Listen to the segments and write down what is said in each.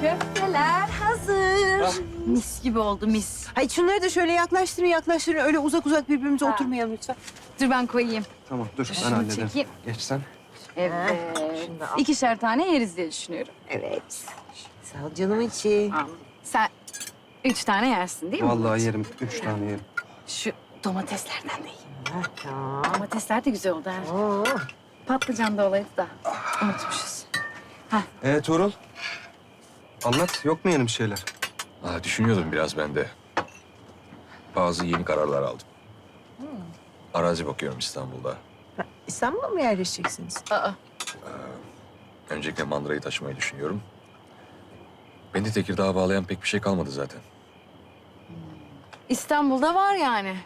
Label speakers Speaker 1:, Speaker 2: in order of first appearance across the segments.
Speaker 1: Köfteler hazır.
Speaker 2: Ah.
Speaker 1: Mis gibi oldu mis.
Speaker 3: Hayır şunları da şöyle yaklaştırın. Öyle uzak uzak birbirimize oturmayalım lütfen.
Speaker 1: Dur ben koyayım.
Speaker 2: Tamam dur ben
Speaker 1: Şunu
Speaker 2: hallederim.
Speaker 1: çekeyim.
Speaker 2: Geç sen.
Speaker 1: Evet.
Speaker 3: Şunu da al.
Speaker 1: 2'şer tane yeriz diye düşünüyorum.
Speaker 3: Evet. Sağ ol canım içi.
Speaker 1: Sen 3 tane yersin değil mi?
Speaker 2: Vallahi yerim. 3 tane yerim.
Speaker 1: Şu domateslerden de yiyeyim.
Speaker 3: Tamam.
Speaker 1: Domatesler de güzel oldu ha.
Speaker 3: Oo.
Speaker 1: Patlıcan da olaydı da unutmuşuz.
Speaker 2: Tuğrul. Anlat. Yok mu yeni bir şeyler?
Speaker 4: Düşünüyordum biraz ben de. Bazı yeni kararlar aldım. Arazi bakıyorum İstanbul'da.
Speaker 3: İstanbul'a mı yerleşeceksiniz?
Speaker 1: Aa,
Speaker 4: Öncelikle mandırayı taşımayı düşünüyorum. Beni de Tekirdağ'a bağlayan pek bir şey kalmadı zaten.
Speaker 1: İstanbul'da var yani.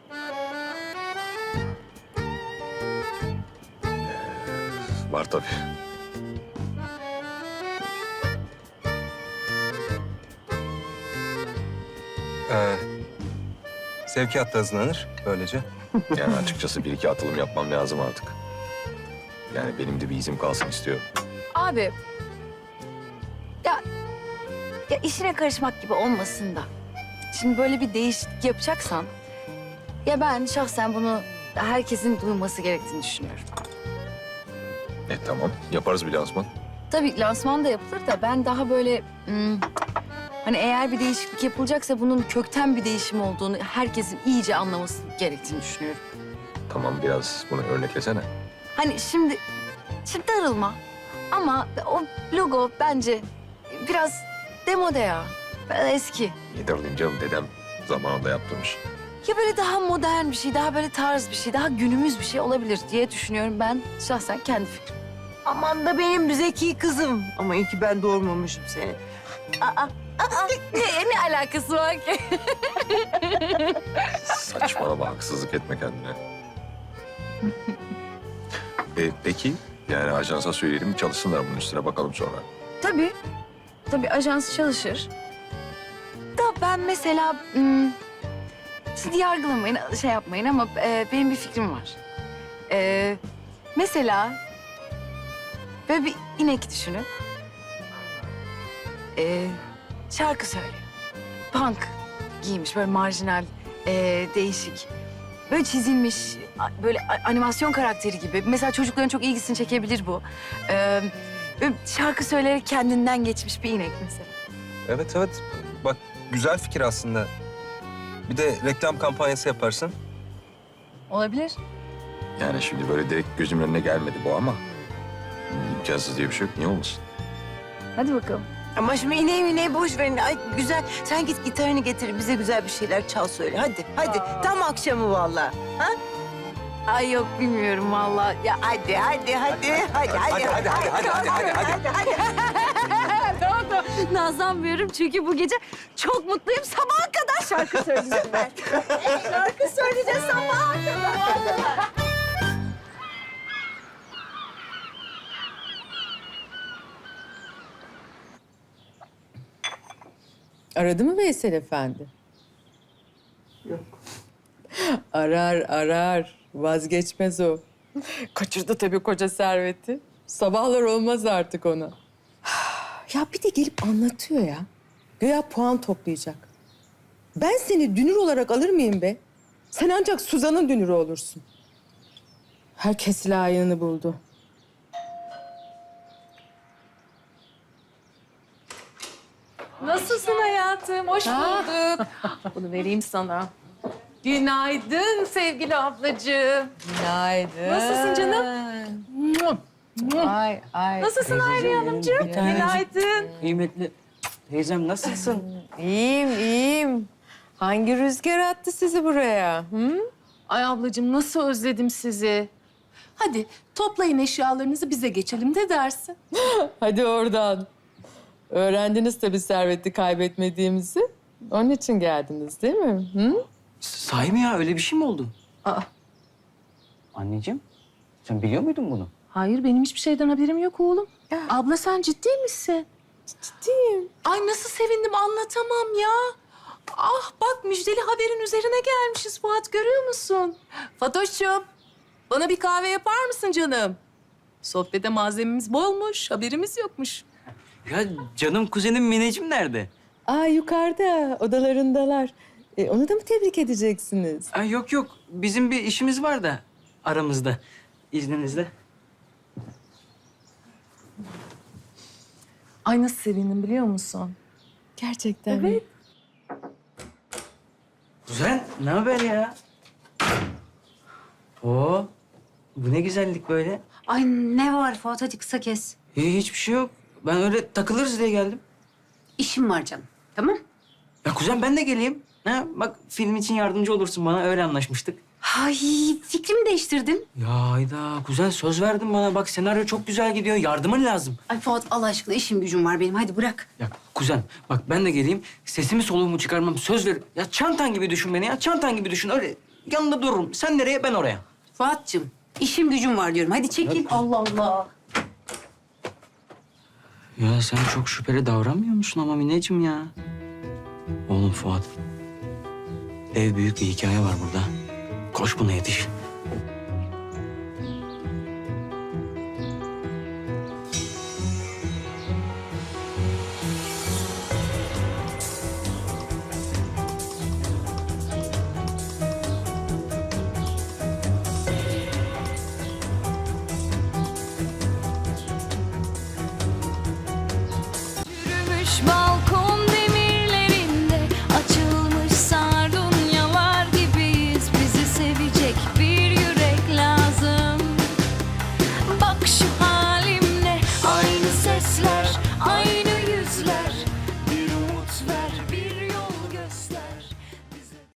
Speaker 4: Var tabii.
Speaker 2: Sevkiyat da hızlanır böylece.
Speaker 4: Yani açıkçası bir iki atılım yapmam lazım artık. Yani benim de bir izim kalsın istiyorum.
Speaker 1: Abi, ya işine karışmak gibi olmasın da. Şimdi böyle bir değişiklik yapacaksan, ya ben şahsen bunu herkesin duyması gerektiğini düşünüyorum.
Speaker 4: Tamam, yaparız bir lansman.
Speaker 1: Tabii lansman da yapılır da ben daha böyle hani eğer bir değişiklik yapılacaksa bunun kökten bir değişim olduğunu herkesin iyice anlaması gerektiğini düşünüyorum.
Speaker 4: Tamam, biraz bunu örneklesene.
Speaker 1: Hani şimdi darılma ama o logo bence biraz demode ya. Biraz eski.
Speaker 4: Yedirdim canım, dedem zamanında yaptırmış.
Speaker 1: Ya böyle daha modern bir şey, daha böyle tarz bir şey, daha günümüz bir şey olabilir diye düşünüyorum ben şahsen kendi fikrim.
Speaker 3: Aman da benim zeki kızım. Ama iyi ki ben doğurmamışım seni.
Speaker 1: Ne alakası var ki?
Speaker 4: Saçmalama, haksızlık etme kendine. Peki, yani ajansa söyleyelim, çalışsınlar bunun üstüne, bakalım sonra.
Speaker 1: Tabii ajans çalışır. Da ben mesela, sizi yargılamayın, şey yapmayın ama benim bir fikrim var. Mesela böyle bir inek düşünün. Şarkı söylüyor. Punk giymiş, böyle marjinal, değişik. Böyle çizilmiş, böyle animasyon karakteri gibi. Mesela çocukların çok ilgisini çekebilir bu. Böyle şarkı söyleyerek kendinden geçmiş bir inek mesela.
Speaker 2: Evet. Bak güzel fikir aslında. Bir de reklam kampanyası yaparsın.
Speaker 1: Olabilir.
Speaker 4: Yani şimdi böyle direkt gözümün önüne gelmedi bu ama... imkansız diye bir şey yok, niye olmasın?
Speaker 1: Hadi bakalım.
Speaker 3: Ama şimdi ineği boş verin. Ay güzel. Sen git gitarını getir. Bize güzel bir şeyler çal söyle. Hadi. Tam akşamı vallahi. Ha?
Speaker 1: Ay yok bilmiyorum vallahi. Ya
Speaker 3: Hadi.
Speaker 1: tamam. Nazlanmıyorum çünkü bu gece çok mutluyum. Sabaha kadar şarkı söyleyeceğim ben. Şarkı söyleyeceğiz sabaha kadar.
Speaker 5: Aradı mı Veysel Efendi? Yok. Arar. Vazgeçmez o. Kaçırdı tabii koca serveti. Sabahlar olmaz artık ona. Ya bir de gelip anlatıyor ya. Güya puan toplayacak. Ben seni dünür olarak alır mıyım be? Sen ancak Suzan'ın dünürü olursun. Herkes layığını buldu.
Speaker 6: Nasılsın hayatım? Hoş bulduk. Bunu vereyim sana. Günaydın sevgili ablacığım.
Speaker 5: Günaydın.
Speaker 6: Nasılsın canım?
Speaker 5: Ay.
Speaker 6: Nasılsın Hayriye Hanımcığım? Günaydın.
Speaker 7: Kıymetli teyzem nasılsın?
Speaker 5: İyiyim. Hangi rüzgar attı sizi buraya? Hı?
Speaker 6: Ay ablacığım nasıl özledim sizi. Hadi toplayın eşyalarınızı bize geçelim de dersin.
Speaker 5: Hadi oradan. Öğrendiniz tabii serveti kaybetmediğimizi. Onun için geldiniz değil mi? Hı?
Speaker 7: Sahi mi ya? Öyle bir şey mi oldu?
Speaker 6: Aa,
Speaker 7: Anneciğim, sen biliyor muydun bunu?
Speaker 6: hayır benim hiçbir şeyden haberim yok oğlum. Abla sen ciddi misin?
Speaker 5: Ciddiyim.
Speaker 6: Ay nasıl sevindim anlatamam ya. Ah bak müjdeli haberin üzerine gelmişiz Fuat görüyor musun? Fatoş'cum bana bir kahve yapar mısın canım? Sohbete malzememiz bolmuş haberimiz yokmuş.
Speaker 7: Ya canım kuzenim Mineciğim nerede?
Speaker 5: Aa yukarıda, odalarındalar. Onu da mı tebrik edeceksiniz?
Speaker 7: Ay yok yok. Bizim bir işimiz var da aramızda. İzninizle.
Speaker 6: Ay nasıl sevindim biliyor musun?
Speaker 5: Gerçekten mi?
Speaker 7: Kuzen ne haber ya? Oo, bu ne güzellik böyle.
Speaker 8: Ay ne var Fuat, hadi kısa kes.
Speaker 7: Hiçbir şey yok. Ben öyle takılırız diye geldim.
Speaker 8: İşim var canım, tamam?
Speaker 7: Ya kuzen ben de geleyim. Ha, bak film için yardımcı olursun bana, öyle anlaşmıştık.
Speaker 8: Ay fikrimi değiştirdim.
Speaker 7: Ya Hayda, kuzen söz verdin bana. Bak senaryo çok güzel gidiyor. Yardımın lazım.
Speaker 8: Ay Fuat Allah aşkına işim gücüm var benim, hadi bırak.
Speaker 7: Ya kuzen bak ben de geleyim. Sesimi soluğumu çıkarmam. Söz ver. Ya çantan gibi düşün beni ya. Çantan gibi düşün. Öyle yanında dururum. Sen nereye ben oraya.
Speaker 8: Fuat'cığım işim gücüm var diyorum, hadi çekil. Allah Allah.
Speaker 7: Ya sen çok şüpheli davranmıyor musun ama Mineciğim ya? Oğlum Fuat. Dev büyük bir hikaye var burada. Koş buna yetiş.
Speaker 9: Yürümüş balkon